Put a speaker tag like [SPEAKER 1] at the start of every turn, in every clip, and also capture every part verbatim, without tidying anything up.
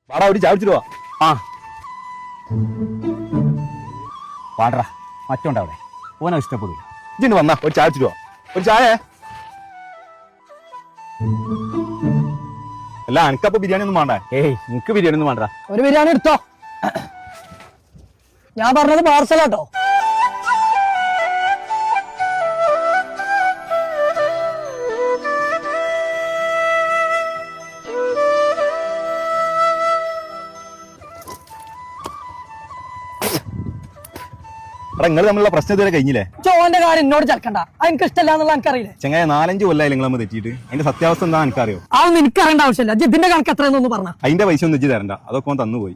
[SPEAKER 1] വാടാ ഒരു ചായ കുടിച്ചിട്ട് വാ.
[SPEAKER 2] ആ പാടറാ മറ്റോണ്ട അവിടെ ഓനെ ഇഷ്ടപ്പെടില്ല.
[SPEAKER 1] ഇജിന്ന് വന്നാ ഒരു ചായ കുടിച്ചിട്ട് വാ. ഒരു ചായ അല്ല എനിക്കപ്പോ ബിരിയാണി ഒന്നും വേണ്ടേ?
[SPEAKER 2] ഏയ് നിനക്ക് ബിരിയാണി ഒന്നും വേണ്ട.
[SPEAKER 3] ഒരു ബിരിയാണി എടുത്തോ. ഞാൻ പറഞ്ഞത് പാർസലാട്ടോ.
[SPEAKER 1] എടാ നിങ്ങൾ തമ്മിലുള്ള പ്രശ്നം ഇതുവരെ കഴിഞ്ഞില്ലേ?
[SPEAKER 3] ചോന്റെ കാര്യം എന്നോട് ചേർക്കണ്ട. അത് എനിക്ക് ഇഷ്ടമല്ല എന്നുള്ള എനിക്കറിയില്ലേ.
[SPEAKER 1] ചെങ്ങായ നാലഞ്ച് കൊല്ലായി നിങ്ങൾ നമ്മൾ തെറ്റിയിട്ട് അതിന്റെ സത്യാവസ്ഥ എന്താ എനിക്കറിയോ?
[SPEAKER 3] അതൊന്നും എനിക്കറിയേണ്ട ആവശ്യമില്ല. ഇതിന്റെ കണക്ക് എത്രയെന്നൊന്ന് പറഞ്ഞ
[SPEAKER 1] അതിന്റെ പൈസ ഒന്നും വെച്ച് തരണ്ട, അതൊക്കെ ഓൻ തന്നുപോയി.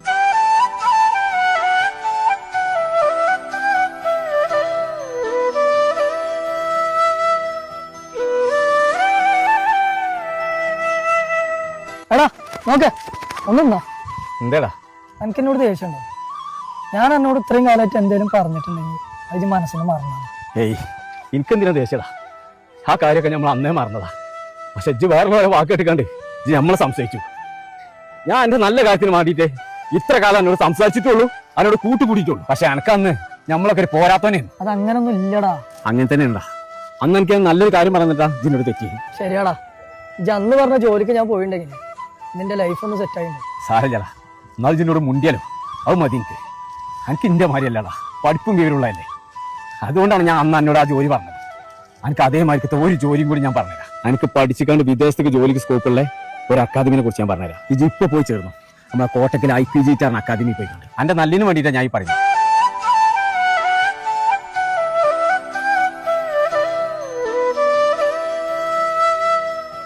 [SPEAKER 3] എടാ നോക്ക് ഒന്നുണ്ടോ
[SPEAKER 2] എന്തേടാ
[SPEAKER 3] എനിക്ക് എന്നോട് ദേഷ്യമുണ്ടോ? ഞാൻ എന്നോട് ഇത്രയും കാലമായിട്ട് എന്തേലും പറഞ്ഞിട്ടുണ്ടെങ്കിൽ അത് മനസ്സിന് മറന്നാണ്.
[SPEAKER 2] ഏയ് എനിക്കെന്തിനാ ദേഷ്യടാ? ആ കാര്യമൊക്കെ നമ്മൾ അന്നേ മറന്നതാ. പക്ഷെ ഇജ്ജ് വേറെ വേറെ വാക്ക് കേട്ടിക്കാണ്ട് ഇജ്ജ് നമ്മളെ സംശയിച്ചു. ഞാൻ എന്റെ നല്ല കാര്യത്തിന് വേണ്ടിയിട്ട് ഇത്ര കാലം എന്നോട് സംസാരിച്ചിട്ടുള്ളൂ, അതിനോട് കൂട്ടുകൂടിയിട്ടുള്ളൂ. പക്ഷെ എനക്കന്ന് നമ്മളൊക്കെ ഒരു പോരാത്തനെയാണ്.
[SPEAKER 3] അത് അങ്ങനൊന്നും ഇല്ലടാ.
[SPEAKER 2] അങ്ങനെ തന്നെ ഉണ്ടാ. അന്ന് എനിക്ക് നല്ലൊരു കാര്യം പറഞ്ഞിട്ടാ ഇതിനോട് തെറ്റി.
[SPEAKER 3] ശരിയാടാ. ഇജ്ജ് അന്ന് പറഞ്ഞ ജോലിക്ക് ഞാൻ പോയിട്ടുണ്ടെങ്കിൽ നിന്റെ ലൈഫ് ഒന്ന് സെറ്റ് ആയിട്ടുണ്ട്.
[SPEAKER 2] സാരല്ലടാ, എന്നാൽ ഇതിനോട് മുണ്ടിയാലോ അത് മതി. എനിക്ക് എനിക്ക് ഇന്റെ മാതിരിയല്ലടാ, പഠിപ്പും വിവരമുള്ളതല്ലേ. അതുകൊണ്ടാണ് ഞാൻ അന്ന് എന്നോട് ആ ജോലി പറഞ്ഞത്. എനിക്ക് അതേമാതിരിക്കത്തെ ഒരു ജോലിയും കൂടി ഞാൻ പറഞ്ഞുതരാം. എനിക്ക് പഠിച്ചിക്കാണ്ട് വിദേശത്തേക്ക് ജോലിക്ക് സ്കോപ്പുള്ള ഒരു അക്കാദമിനെ കുറിച്ച് ഞാൻ പറഞ്ഞുതരാം. ഇത് ഇപ്പൊ പോയി ചേർന്നു നമ്മളെ കോട്ടക്കൽ ഐ പി ജി ടാറിന് അക്കാദമി പോയിട്ടുണ്ട്. എന്റെ നല്ലിന് വേണ്ടിയിട്ടാണ് ഞാൻ ഈ പറയുന്നത്.